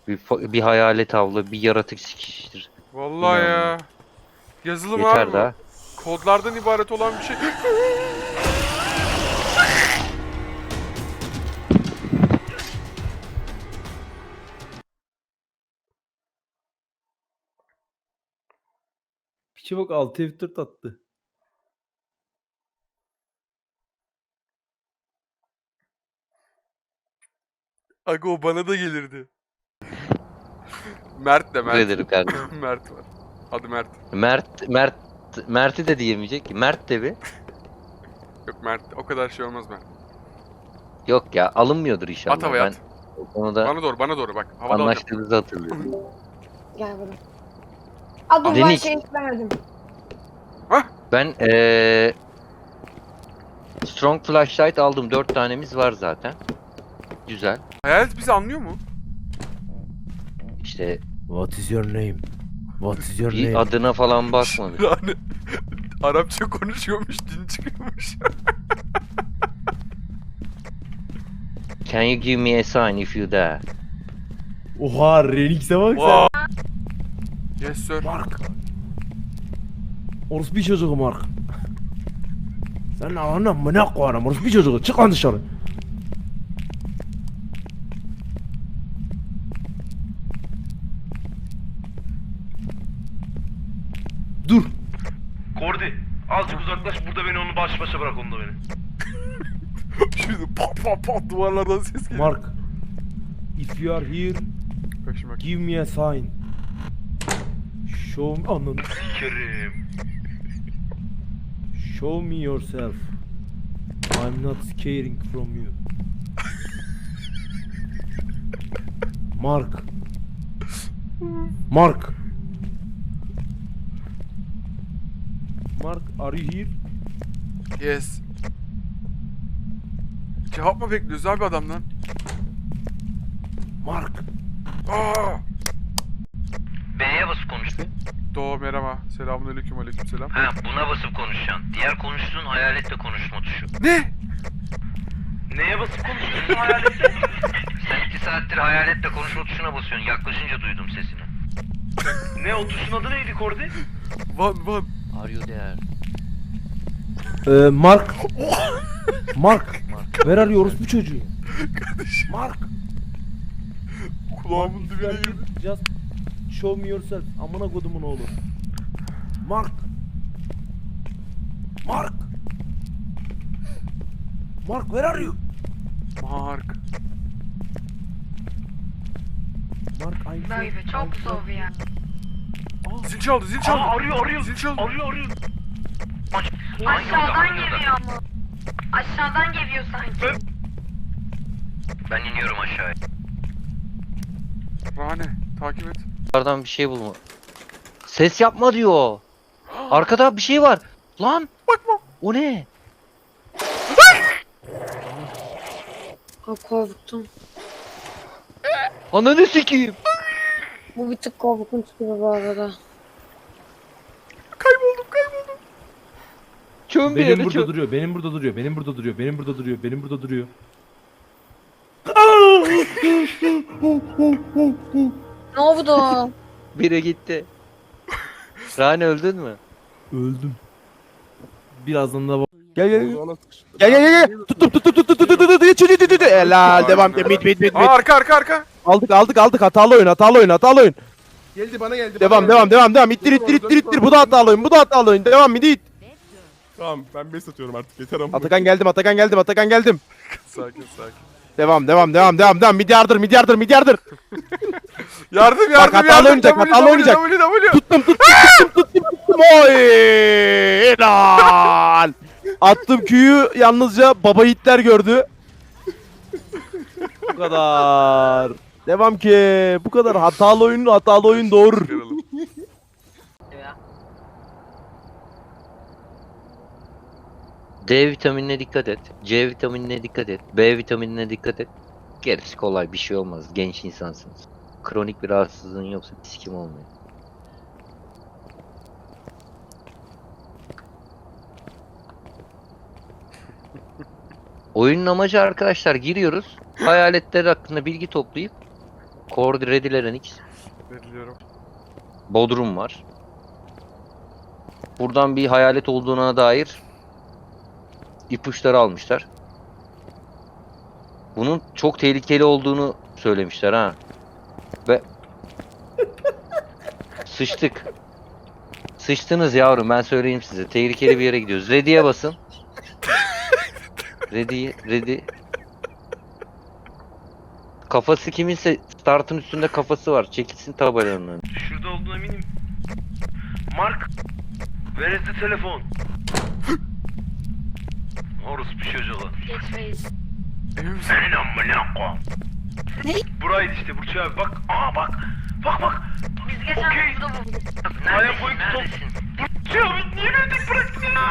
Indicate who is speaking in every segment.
Speaker 1: Bir hayalet avla, bir yaratık sikiştir.
Speaker 2: Vallahi
Speaker 1: İnanmıyorum.
Speaker 2: ya. Yazılım
Speaker 1: Yeter
Speaker 2: abi bu.
Speaker 1: daha.
Speaker 2: Kodlardan ibaret olan bir şey.
Speaker 3: Piçe bak 6 F4 attı.
Speaker 2: Aga o bana da gelirdi. Mert de
Speaker 1: Teşekkür
Speaker 2: Mert.
Speaker 1: ederim kardeşim.
Speaker 2: Mert var. Adı Mert.
Speaker 1: Mert'i de diyemeyecek ki. Mert de bir.
Speaker 2: Yok Mert. O kadar şey olmaz Mert.
Speaker 1: Yok ya, alınmıyordur inşallah.
Speaker 2: At havaya
Speaker 1: Ben
Speaker 2: at.
Speaker 1: o konuda
Speaker 2: Bana doğru bak. Havada alacağım.
Speaker 1: anlaştığımızı hatırlıyorum.
Speaker 4: Gel buraya. Aa dur ben
Speaker 1: Deniz.
Speaker 4: şey istemedim.
Speaker 1: Ben Strong Flashlight aldım. 4 tanemiz var zaten. Güzel.
Speaker 2: Hayalet bizi anlıyor mu?
Speaker 1: İşte
Speaker 3: What is your name? What is your
Speaker 1: bir
Speaker 3: name?
Speaker 1: adına falan bakmadık.
Speaker 2: Yani Arapça konuşuyormuş, din çıkıyormuş.
Speaker 1: Can you give me a sign if you dare?
Speaker 3: Oha Renix'e bak sen.
Speaker 2: Wow. Yes sir.
Speaker 3: Mark. Orospu çocuğu Mark. Sen anam mı ne koyarım orospu çocuğu çık lan dışarı. Dur.
Speaker 5: Kordi, azıcık uzaklaş burada beni onu baş başa bırak onunla beni.
Speaker 2: Şimdi pat pat pat duvarlardan ses geliyor.
Speaker 3: Mark. If you are here,
Speaker 2: Kaşıma.
Speaker 3: give me a sign. Show me ananı.
Speaker 5: Sikerim.
Speaker 3: Show me yourself. I'm not scaring from you. Mark. Mark. Mark, are you here?
Speaker 2: Yes. Cevap mı bekliyoruz abi adamdan?
Speaker 3: Mark.
Speaker 2: Aa!
Speaker 6: B'ye basıp konuş bir.
Speaker 2: Doğu merhaba. Selamünaleyküm aleykümselam.
Speaker 6: Ha buna basıp konuşacaksın. Diğer konuştuğun hayaletle konuşma tuşu.
Speaker 2: Ne?
Speaker 5: Neye basıp konuşuyorsun hayalette?
Speaker 6: Sen 2 saattir hayaletle konuşma tuşuna basıyorsun. Yaklaşınca duydum sesini.
Speaker 5: Ne o tuşun adı neydi Kordi?
Speaker 2: Van.
Speaker 1: Are you there?
Speaker 3: Mark. Mark. Where are you orospu çocuğu? Mark.
Speaker 2: Kulağımın dibine girdi.
Speaker 3: Just show me yourself. Amına kodumun oğlu. Mark. Mark. Mark, where are you?
Speaker 2: Mark.
Speaker 3: Mark, I'm
Speaker 4: Böyle çok zor ya.
Speaker 2: Zil çaldı, zil çaldı.
Speaker 5: Aa arıyor.
Speaker 2: Zil çaldı.
Speaker 5: Arıyor.
Speaker 4: Aşağıdan geliyor ama. Aşağıdan geliyor sanki.
Speaker 6: Ben iniyorum aşağıya.
Speaker 2: Rane, takip et.
Speaker 1: Bunlardan bir şey bulma. Ses yapma diyor. Arkada bir şey var. Lan.
Speaker 2: Bakma.
Speaker 1: O ne?
Speaker 4: Aa, korktum.
Speaker 1: Ananı sikeyim.
Speaker 4: Bu bir tık korkunç gibi bu arada.
Speaker 2: Kayboldum.
Speaker 1: Çöm bir
Speaker 3: Benim
Speaker 1: yere
Speaker 3: burada
Speaker 1: çöm.
Speaker 3: duruyor, benim burada duruyor, benim burada duruyor, benim burada duruyor, benim burada duruyor.
Speaker 4: Ne oldu?
Speaker 1: Biri gitti. Rane öldün mü?
Speaker 3: Öldüm. Birazdan da gel. Tuttum. Helal devam. Mit.
Speaker 2: Aa arka.
Speaker 3: Aldık. Hatalı oyun.
Speaker 7: Geldi bana geldi.
Speaker 3: Devam. İttir. Bu da hatalı oyun. Devam it.
Speaker 7: Tamam ben base atıyorum artık yeter ama.
Speaker 3: Atakan geldim.
Speaker 2: Sakin.
Speaker 3: Devam. Mid yardır.
Speaker 2: Yardım.
Speaker 3: Bak, hatalı oynayacak,
Speaker 2: W.
Speaker 3: Tuttum. Oy! Helal. Attım Q'yu yalnızca baba yiğitler gördü. Bu kadar. Devam ki. Bu kadar hatalı oyun doğurur.
Speaker 2: Yaralım.
Speaker 1: D vitaminine dikkat et. C vitaminine dikkat et. B vitaminine dikkat et. Gerisi kolay, bir şey olmaz. Genç insansınız. Kronik bir rahatsızlığın yoksa sikim olmuyor. Oyunun amacı arkadaşlar, giriyoruz. Hayaletler hakkında bilgi toplayıp Kordi Redilerin X.
Speaker 2: Veriliyorum.
Speaker 1: Bodrum var. Buradan bir hayalet olduğuna dair ipuçları almışlar. Bunun çok tehlikeli olduğunu söylemişler ha. Ve sıçtık. Sıçtınız yavrum, ben söyleyeyim size. Tehlikeli bir yere gidiyoruz. Ready'ye basın. Ready. Kafası kiminse startın üstünde kafası var. Çekilsin tabelanın önüne.
Speaker 5: Şurada olduğuna eminim. Mark. Where is the telefon? Orospu çocuğu.
Speaker 4: Geçmeyiz.
Speaker 2: Emin misin?
Speaker 5: Senin amına koyayım. Buraydı işte Burç abi bak. Aa bak. Bak.
Speaker 4: Biz geçen
Speaker 5: Okey.
Speaker 4: burada bulduk.
Speaker 5: Hala boyun top.
Speaker 6: Neredesin?
Speaker 5: Burç abi niye öldük bıraktın ya?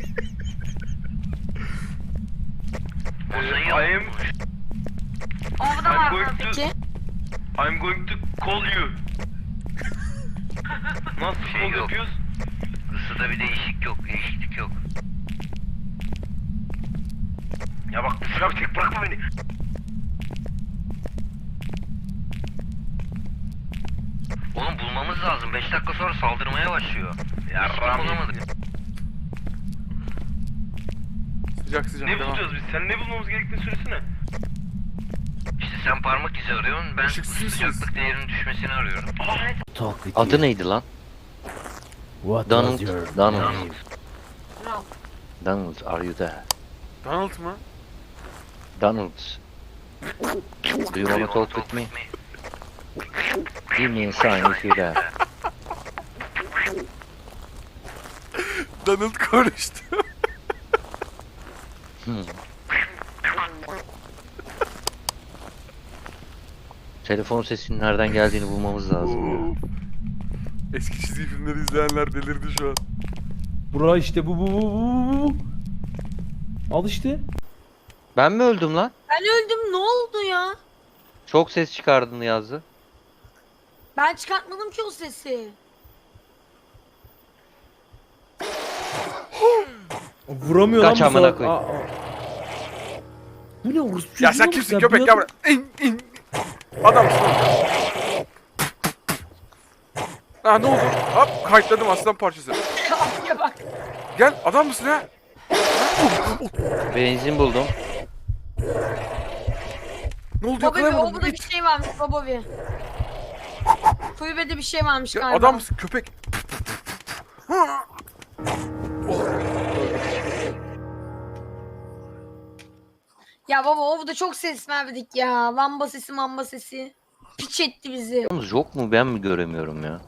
Speaker 6: Ozan
Speaker 5: I
Speaker 6: yok
Speaker 5: am,
Speaker 6: mu?
Speaker 4: Orada
Speaker 5: I'm
Speaker 4: var
Speaker 5: going
Speaker 4: mı
Speaker 5: to-
Speaker 4: peki?
Speaker 5: I'm going to call you. Nasıl
Speaker 6: Şey
Speaker 5: call
Speaker 6: yok.
Speaker 5: yapıyoruz?
Speaker 6: Isıda bir değişiklik yok.
Speaker 5: Ya bak Burç abi tek bırakma beni.
Speaker 6: Oğlum bulmamız lazım. 5 dakika sonra saldırmaya başlıyor.
Speaker 5: Ya
Speaker 6: Hiç
Speaker 5: Rami.
Speaker 6: bulamadık.
Speaker 2: Sıcak sıcak.
Speaker 5: Ne
Speaker 2: devam.
Speaker 5: bulacağız biz? Sen ne bulmamız gerektiğini söylesene.
Speaker 6: İşte sen parmak izi arıyorsun. Ben
Speaker 2: Işıksız.
Speaker 6: sıcaklık değerinin düşmesini arıyorum.
Speaker 3: Talk with you.
Speaker 1: Adı neydi lan?
Speaker 3: What
Speaker 1: Donald.
Speaker 3: was your
Speaker 1: Donald.
Speaker 3: name?
Speaker 1: Donald, are you there?
Speaker 2: Donald mı?
Speaker 1: Donald. Do you wanna talk with me? Give me a sign if you're there.
Speaker 2: Donald konuştu.
Speaker 1: Telefon sesinin nereden geldiğini bulmamız lazım ya.
Speaker 2: Eski çizgi filmleri izleyenler delirdi şu an.
Speaker 3: Bura işte bu. Al işte.
Speaker 1: Ben mi öldüm lan?
Speaker 4: Ben öldüm, ne oldu ya?
Speaker 1: Çok ses çıkardın yazdı.
Speaker 4: Ben çıkartmadım ki o sesi.
Speaker 3: Vuramıyor
Speaker 1: Kaç
Speaker 3: lan bu
Speaker 1: amına
Speaker 3: salak.
Speaker 1: koyayım.
Speaker 3: Bu ne orospu
Speaker 2: Ya
Speaker 3: çocuğu
Speaker 2: sen
Speaker 3: mu?
Speaker 2: kimsin
Speaker 3: Ya
Speaker 2: köpek
Speaker 3: bir
Speaker 2: ya
Speaker 3: adam-
Speaker 2: buraya. İn. Adamsın oğlum. Ha ne oldu? Hop kayıtladım aslan parçası.
Speaker 4: Kapıya bak.
Speaker 2: Gel adam mısın ha?
Speaker 1: Benzin buldum.
Speaker 2: Ne oldu
Speaker 4: Bobby,
Speaker 2: yakalayamadım.
Speaker 4: orada bir
Speaker 2: İt.
Speaker 4: şey varmış Bobby. Kulübede bir şey varmış
Speaker 2: Ya,
Speaker 4: galiba.
Speaker 2: adam mısın köpek?
Speaker 4: Ya baba orada çok ses verdik ya. Lamba sesi mamba sesi. Piç etti bizi.
Speaker 1: Yalnız yok mu, ben mi göremiyorum ya?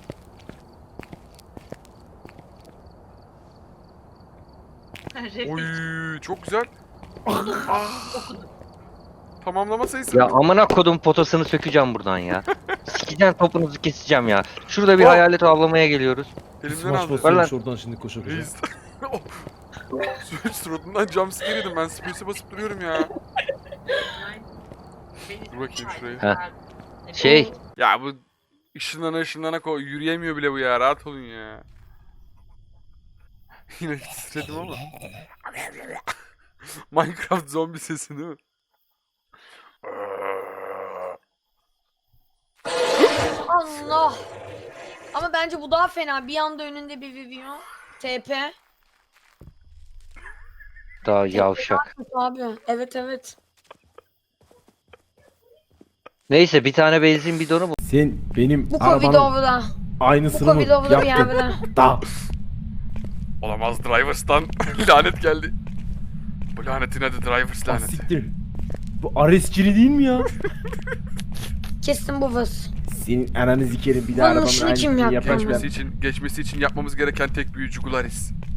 Speaker 2: Oy çok güzel. Ah. Tamamlama sayısı.
Speaker 1: Ya amına kodum potasını sökeceğim buradan ya. Sikeceğim, topunuzu keseceğim ya. Şurada bir
Speaker 2: Oh.
Speaker 1: hayalet avlamaya geliyoruz.
Speaker 2: Elimden
Speaker 3: Smash
Speaker 2: aldı.
Speaker 3: basıyormuş oradan şimdi koşa koşa.
Speaker 2: Reis. Suratından jumpscare yedim ben space'e basıp duruyorum ya. Dur bakayım şuraya.
Speaker 1: Heh. Şey,
Speaker 2: Ya bu ışınlana yürüyemiyor bile bu ya rahat olun ya. Yine titredim ama. Minecraft zombi sesi değil mi?
Speaker 4: Allah. Ama bence bu daha fena. Bir anda önünde bir video. TP.
Speaker 1: daha yavşak.
Speaker 4: Abi. Evet.
Speaker 1: Neyse, bir tane benzin bidonu bul.
Speaker 3: Sen benim
Speaker 4: Bu Covid
Speaker 3: arabanın
Speaker 4: orada. Bu
Speaker 3: aynısını mı
Speaker 4: Covid orada bir
Speaker 3: yaptın?
Speaker 4: yerde.
Speaker 3: Da.
Speaker 2: Olamaz Drivers'tan lanet geldi. Bu lanetin adı Drivers
Speaker 3: Ah,
Speaker 2: laneti.
Speaker 3: siktir. Bu Aresçili değil mi ya?
Speaker 4: Kesin bu vız.
Speaker 3: Senin ananı sikerim bir daha
Speaker 4: Bunun
Speaker 3: arabanın
Speaker 4: işini kim
Speaker 3: aynısını
Speaker 4: yaptı?
Speaker 3: yapaç ben.
Speaker 2: Geçmesi için yapmamız gereken tek büyü Jugularis.